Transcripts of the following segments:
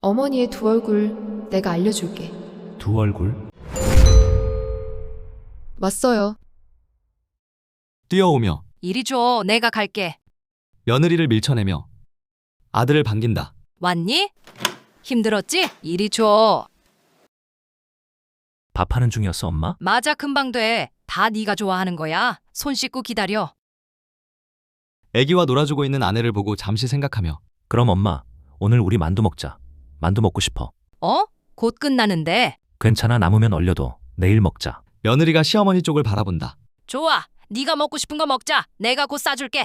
어머니의 두 얼굴 내가 알려줄게. 두 얼굴? 왔어요. 뛰어오며 이리 줘, 내가 갈게. 며느리를 밀쳐내며 아들을 반긴다. 왔니? 힘들었지? 이리 줘. 밥하는 중이었어, 엄마? 맞아, 금방 돼. 다 네가 좋아하는 거야. 손 씻고 기다려. 아기와 놀아주고 있는 아내를 보고 잠시 생각하며 그럼 엄마, 오늘 우리 만두 먹자. 만두 먹고 싶어. 어? 곧 끝나는데. 괜찮아, 남으면 얼려도. 내일 먹자. 며느리가 시어머니 쪽을 바라본다. 좋아. 네가 먹고 싶은 거 먹자. 내가 곧 싸줄게.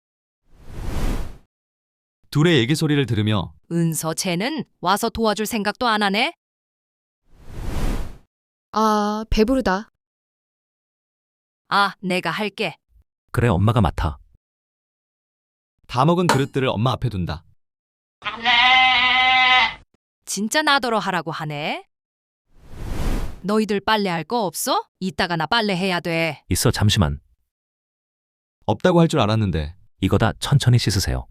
둘의 얘기 소리를 들으며 은서 쟤는 와서 도와줄 생각도 안 하네. 아, 배부르다. 아, 내가 할게. 그래, 엄마가 맡아. 다 먹은 그릇들을 엄마 앞에 둔다. 진짜 나더러 하라고 하네. 너희들 빨래할 거 없어? 이따가 나 빨래 해야 돼. 있어, 잠시만. 없다고 할 줄 알았는데 이거 다 천천히 씻으세요.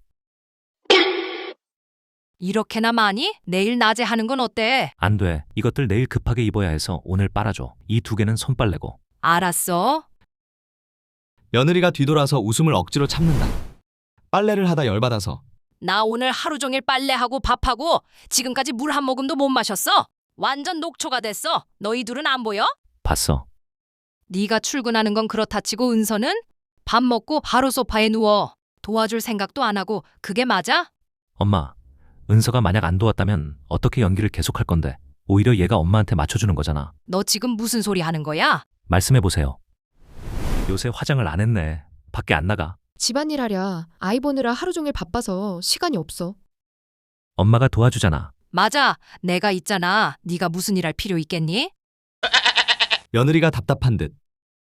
이렇게나 많이? 내일 낮에 하는 건 어때? 안 돼. 이것들 내일 급하게 입어야 해서 오늘 빨아줘. 이 두 개는 손빨래고. 알았어. 며느리가 뒤돌아서 웃음을 억지로 참는다. 빨래를 하다 열받아서 나 오늘 하루 종일 빨래하고 밥하고 지금까지 물 한 모금도 못 마셨어. 완전 녹초가 됐어. 너희 둘은 안 보여? 봤어. 네가 출근하는 건 그렇다 치고 은서는 밥 먹고 바로 소파에 누워. 도와줄 생각도 안 하고 그게 맞아? 엄마, 은서가 만약 안 도왔다면 어떻게 연기를 계속할 건데? 오히려 얘가 엄마한테 맞춰주는 거잖아. 너 지금 무슨 소리 하는 거야? 말씀해보세요. 요새 화장을 안 했네. 밖에 안 나가. 집안일 하랴. 아이 보느라 하루 종일 바빠서 시간이 없어. 엄마가 도와주잖아. 맞아. 내가 있잖아. 네가 무슨 일 할 필요 있겠니? 며느리가 답답한 듯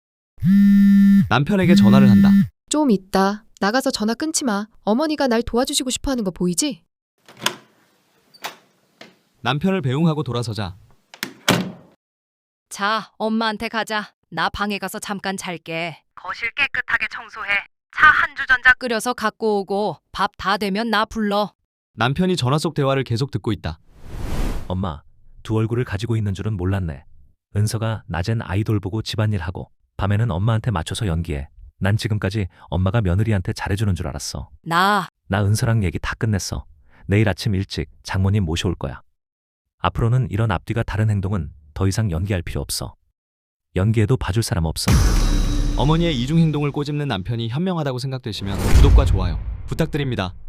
남편에게 전화를 한다. 좀 있다. 나가서 전화 끊지 마. 어머니가 날 도와주시고 싶어 하는 거 보이지? 남편을 배웅하고 돌아서자 자, 엄마한테 가자. 나 방에 가서 잠깐 잘게. 거실 깨끗하게 청소해. 차 한 주전자 끓여서 갖고 오고 밥 다 되면 나 불러. 남편이 전화 속 대화를 계속 듣고 있다. 엄마, 두 얼굴을 가지고 있는 줄은 몰랐네. 은서가 낮엔 아이돌 보고 집안일하고 밤에는 엄마한테 맞춰서 연기해. 난 지금까지 엄마가 며느리한테 잘해주는 줄 알았어. 나 나 은서랑 얘기 다 끝냈어. 내일 아침 일찍 장모님 모셔올 거야. 앞으로는 이런 앞뒤가 다른 행동은 더 이상 연기할 필요 없어. 연기해도 봐줄 사람 없어. 어머니의 이중 행동을 꼬집는 남편이 현명하다고 생각되시면 구독과 좋아요 부탁드립니다.